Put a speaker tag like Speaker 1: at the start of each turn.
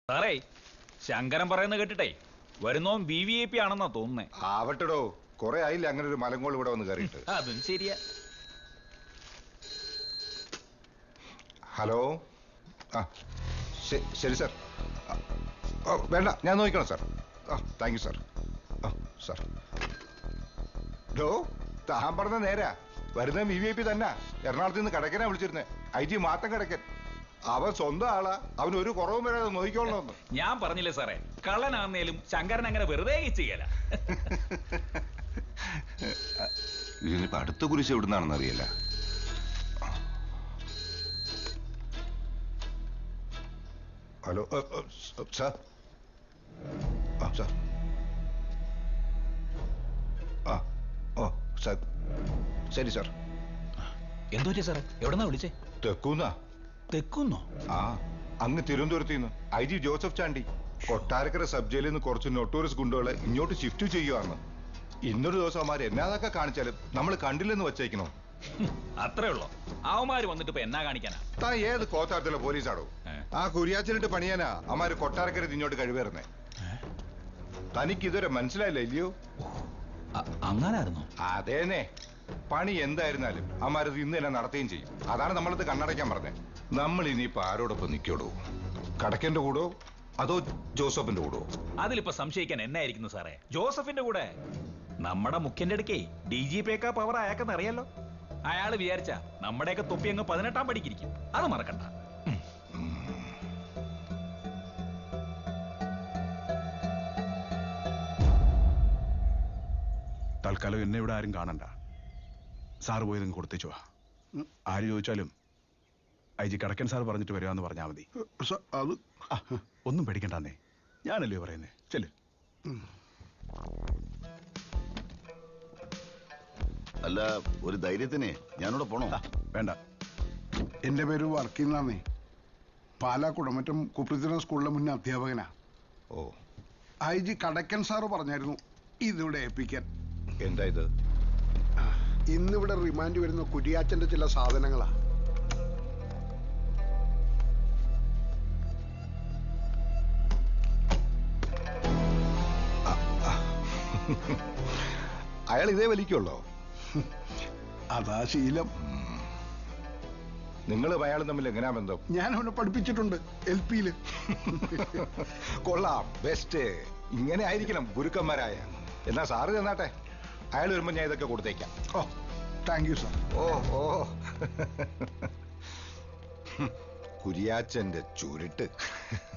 Speaker 1: സാറേ, ശങ്കരൻ പറയുന്ന കേട്ടിട്ടേ വരുന്നോൻ VVIP ആണെന്നാ തോന്നുന്നേ.
Speaker 2: ആവട്ടടോ, കൊറേ ആയില്ല അങ്ങനെ ഒരു മലങ്കോൾ ഇവിടെ വന്ന് കയറിയിട്ട്.
Speaker 1: അതും ശരിയാ.
Speaker 2: ഹലോ, ശരി സാർ. വേണ്ട, ഞാൻ നോക്കിക്കണം sir. Thank you sir. Sir ഡോ, താൻ പറഞ്ഞ നേരാ. വരുന്ന VVIP തന്നെ. എറണാകുളത്ത് നിന്ന് കടക്കനാ വിളിച്ചിരുന്നേ. IG മാത്തം കടക്കൻ. അവൻ സ്വന്തം ആളാ, അവന് ഒരു കുറവും വരാതെ നോക്കിക്കോളണമെന്ന്.
Speaker 1: ഞാൻ പറഞ്ഞില്ലേ സാറേ, കള്ളനാന്നേലും ശങ്കരൻ അങ്ങനെ വെറുതെ ചെയ്യല.
Speaker 2: ഇതിനിപ്പോ അടുത്ത കുരിശ് എവിടുന്നാണെന്ന് അറിയില്ല. Hello sir. സാർ. സാർ. ശരി സാർ.
Speaker 1: എന്തോ സാറേ, എവിടെന്നാ വിളിച്ചേ?
Speaker 2: തെക്കൂന്നാ.
Speaker 1: തെക്കുന്നോ?
Speaker 2: അങ്ങ് തിരുവനന്തപുരത്ത് നിന്ന് IG Joseph Chandy Kottarakkara sub ജയിലിൽ നിന്ന് കുറച്ച് നൊട്ടോറിയസ് ഗുണ്ടകളെ ഇങ്ങോട്ട് ഷിഫ്റ്റ് ചെയ്യുവാണ്. ഇന്നൊരു ദിവസം അവന്മാർ എന്നാതൊക്കെ കാണിച്ചാലും നമ്മൾ കണ്ടില്ലെന്ന് വച്ചേക്കണോ?
Speaker 1: അത്രേ ഉള്ളോ? അവന്മാര് വന്നിട്ട് ഇപ്പൊ എന്നാ കാണിക്കാനാ?
Speaker 2: താൻ ഏത് കോത്താരത്തിലെ പോലീസാണോ? ആ കുരിയാച്ചനിട്ട് പണിയാനാ അവന്മാര് കൊട്ടാരക്കര ഇങ്ങോട്ട് കഴിവേറുന്നേ. തനിക്ക് ഇതുവരെ മനസ്സിലായില്ല ഇല്ലയോ?
Speaker 1: അങ്ങനായിരുന്നോ?
Speaker 2: അതേന്നെ. പണി എന്തായിരുന്നാലും അവന്മാരത് ഇന്ന് തന്നെ നടത്തുകയും ചെയ്യും. അതാണ് നമ്മളത് കണ്ണടയ്ക്കാൻ പറഞ്ഞത്. നമ്മൾ ഇനിയിപ്പോ ആരോടൊപ്പം നിൽക്കോടോ? കടക്കന്റെ കൂടോ അതോ ജോസഫിന്റെ കൂടോ?
Speaker 1: അതിലിപ്പോ സംശയിക്കാൻ എന്നായിരിക്കുന്നു സാറേ? ജോസഫിന്റെ കൂടെ. നമ്മുടെ മുഖ്യന്റെ അടുക്കേ DGP പവർ അയാൾക്കെന്ന് അറിയാലോ. അയാള് വിചാരിച്ച നമ്മുടെയൊക്കെ തൊപ്പി അങ്ങ് 18ാം പടിക്കിരിക്കും. അത് മറക്കണ്ട.
Speaker 3: തൽക്കാലം എന്നെ ഇവിടെ ആരും കാണണ്ട. സാറ് പോയി നിങ്ങൾ കൊടുത്തേച്ചു വാ. ആര് ചോദിച്ചാലും IG കടക്കൻ സാർ പറഞ്ഞിട്ട് വരികയെന്ന് പറഞ്ഞാൽ മതി.
Speaker 4: അത്
Speaker 3: ഒന്നും പേടിക്കണ്ടെന്നേ, ഞാനല്ലേ പറയുന്നേ. ചെല്.
Speaker 4: അല്ല, ഒരു ധൈര്യത്തിന് ഞാനിവിടെ പോണോ?
Speaker 3: വേണ്ട.
Speaker 5: എന്റെ പേര് വർക്കിന്നാന്നേ. പാലാ കുടമറ്റം കുപ്രസിദ്ധ സ്കൂളിലെ മുന്നേ അധ്യാപകനാ.
Speaker 2: ഓ,
Speaker 5: IG കടക്കൻ സാറ് പറഞ്ഞായിരുന്നു ഇതിവിടെ ഏൽപ്പിക്കാൻ.
Speaker 2: എന്താ ഇത്?
Speaker 6: ഇന്നിവിടെ റിമാൻഡ് വരുന്ന കുരിയാച്ചന്റെ ചില സാധനങ്ങളാ.
Speaker 2: അയാൾ ഇതേ വലിക്കുള്ളോ?
Speaker 5: അതാ ശീലം.
Speaker 2: നിങ്ങളും അയാളും തമ്മിൽ എങ്ങനെയാ ബന്ധം?
Speaker 5: ഞാൻ അവനെ പഠിപ്പിച്ചിട്ടുണ്ട് LP-ല്.
Speaker 2: കൊള്ളാം, ബെസ്റ്റ്. ഇങ്ങനെ ആയിരിക്കണം ഗുരുക്കന്മാരായ. എന്നാ സാറ് ചെന്നാട്ടെ. അയാൾ വരുമ്പോ ഞാൻ ഇതൊക്കെ കൊടുത്തേക്കാം.
Speaker 5: ഓ, താങ്ക് യു സാർ.
Speaker 2: ഓ കുരിയാച്ചന്റെ ചുരുട്ട്.